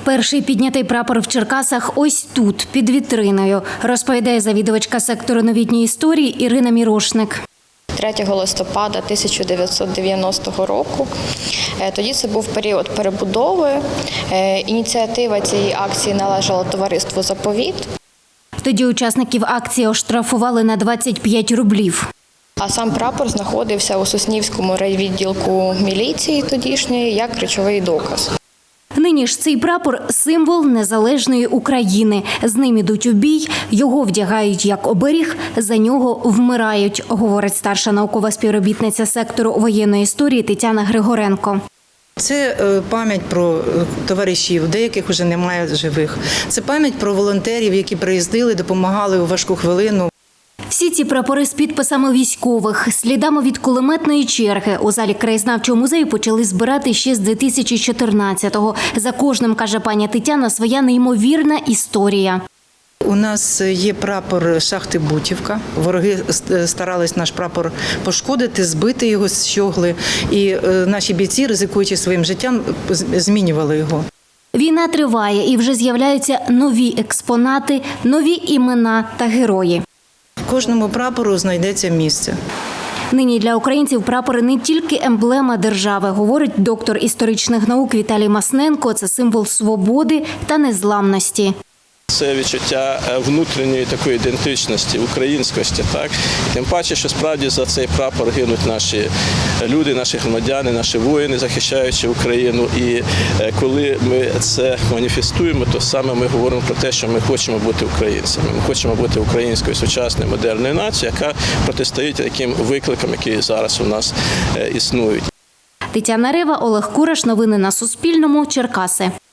Перший піднятий прапор в Черкасах ось тут, під вітриною, розповідає завідувачка сектору новітньої історії Ірина Мірошник. 3 листопада 1990 року. Тоді це був період перебудови. Ініціатива цієї акції належала товариству «Заповіт». Тоді учасників акції оштрафували на 25 рублів. А сам прапор знаходився у Соснівському райвідділку міліції тодішньої як речовий доказ. Нині ж цей прапор – символ незалежної України. З ним ідуть у бій, його вдягають як оберіг, за нього вмирають, говорить старша наукова співробітниця сектору воєнної історії Тетяна Григоренко. Це пам'ять про товаришів, деяких вже немає живих. Це пам'ять про волонтерів, які приїздили, допомагали у важку хвилину. Всі ці прапори з підписами військових, слідами від кулеметної черги у залі краєзнавчого музею почали збирати ще з 2014-го. За кожним, каже пані Тетяна, своя неймовірна історія. У нас є прапор шахти Бутівка. Вороги старались наш прапор пошкодити, збити його з щогли. І наші бійці, ризикуючи своїм життям, змінювали його. Війна триває і вже з'являються нові експонати, нові імена та герої. Кожному прапору знайдеться місце. Нині для українців прапори не тільки емблема держави, говорить доктор історичних наук Віталій Масненко. Це символ свободи та незламності. Це відчуття внутрішньої такої ідентичності, українськості. Так? Тим паче, що справді за цей прапор гинуть наші люди, наші громадяни, наші воїни, захищаючи Україну. І коли ми це маніфестуємо, то саме ми говоримо про те, що ми хочемо бути українцями. Ми хочемо бути українською сучасною модерною нацією, яка протистоїть таким викликам, які зараз у нас існують. Тетяна Рева, Олег Кураш. Новини на Суспільному. Черкаси.